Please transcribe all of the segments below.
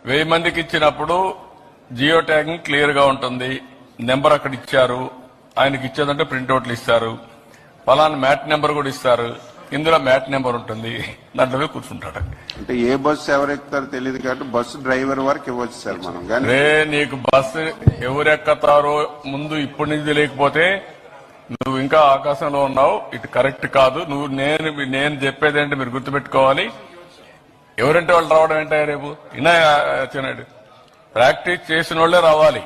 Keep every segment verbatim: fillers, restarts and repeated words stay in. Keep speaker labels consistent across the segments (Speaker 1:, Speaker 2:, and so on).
Speaker 1: వెయ్యి మందికి ఇచ్చినప్పుడు జియో ట్యాగింగ్ క్లియర్ గా ఉంటుంది. నెంబర్ అక్కడ ఇచ్చారు, ఆయనకి ఇచ్చేదంటే ప్రింట్అవుట్లు ఇస్తారు, పలానా మ్యాట్ నెంబర్ కూడా ఇస్తారు. ఇందులో మ్యాట్ నెంబర్ ఉంటుంది, దాంట్లో కూర్చుంటాడు.
Speaker 2: అంటే ఏ బస్సు ఎవరు ఎక్కుతారో తెలియదు కాబట్టి బస్సు డ్రైవర్ వరకు ఇవ్వచ్చు సార్ మనం.
Speaker 1: రే నీకు బస్సు ఎవరెక్కతారో ముందు ఇప్పటి నుంచి లేకపోతే నువ్వు ఇంకా ఆకాశంలో ఉన్నావు. ఇటు కరెక్ట్ కాదు. నువ్వు నేను నేను చెప్పేది ఏంటి మీరు గుర్తుపెట్టుకోవాలి. ఎవరంటే వాళ్ళు రావడం ఏంటో రేపు ఇన్నా వచ్చినాడు. ప్రాక్టీస్ చేసిన వాళ్లే రావాలి.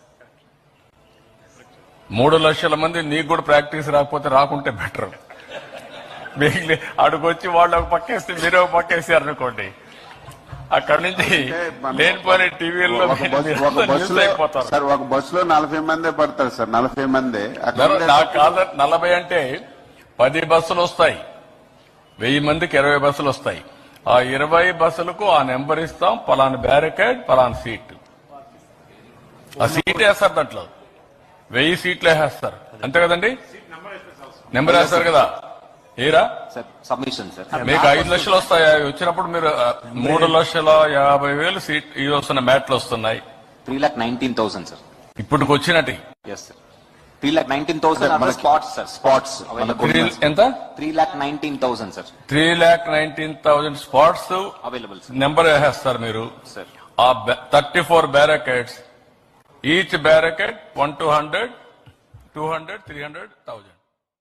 Speaker 1: మూడు లక్షల మంది నీకు కూడా ప్రాక్టీస్ రాకపోతే రాకుంటే బెటర్. మిగిలి అడుగొచ్చి వాళ్ళు ఒక పక్కేస్తే మీరు ఒక పక్కేసారు అనుకోండి, అక్కడి నుంచి లేనిపోయిన టీవీల్లో అయిపోతారు.
Speaker 2: సార్ ఒక బస్సులో నలభై మందే పడతారు సార్. నలభై మందే
Speaker 1: కాదు. నలభై అంటే పది బస్సులు వస్తాయి, వెయ్యి మందికి ఇరవై బస్సులు వస్తాయి. ఆ ఇరవై బస్సులకు ఆ నెంబర్ ఇస్తాం, పలానా బ్యారికేడ్ పలానా సీట్. ఆ సీట్ వేస్తారు, దాంట్లో వెయ్యి సీట్లు వేసేస్తారు, అంతే కదండి. నెంబర్ వేస్తారు కదా. ఏరా
Speaker 3: సబ్మిషన్ సార్
Speaker 1: మీకు ఐదు లక్షలు వస్తాయి. వచ్చినప్పుడు మీరు మూడు లక్షల యాభై వేలు సీట్ ఇది వస్తున్న మ్యాట్లు వస్తున్నాయి.
Speaker 3: Three lakh nineteen thousand sir
Speaker 1: ఇప్పటికి వచ్చినట్టు.
Speaker 3: Yes sir three lakh nineteen thousand spots sir. Spots
Speaker 1: ఎంత?
Speaker 3: Three lakh nineteen thousand sir.
Speaker 1: Three lakh nineteen thousand spots
Speaker 3: available.
Speaker 1: Number వేసేస్తారు మీరు.
Speaker 3: సార్
Speaker 1: ఆ thirty four barricades, each barricade one two hundred two hundred three hundred thousand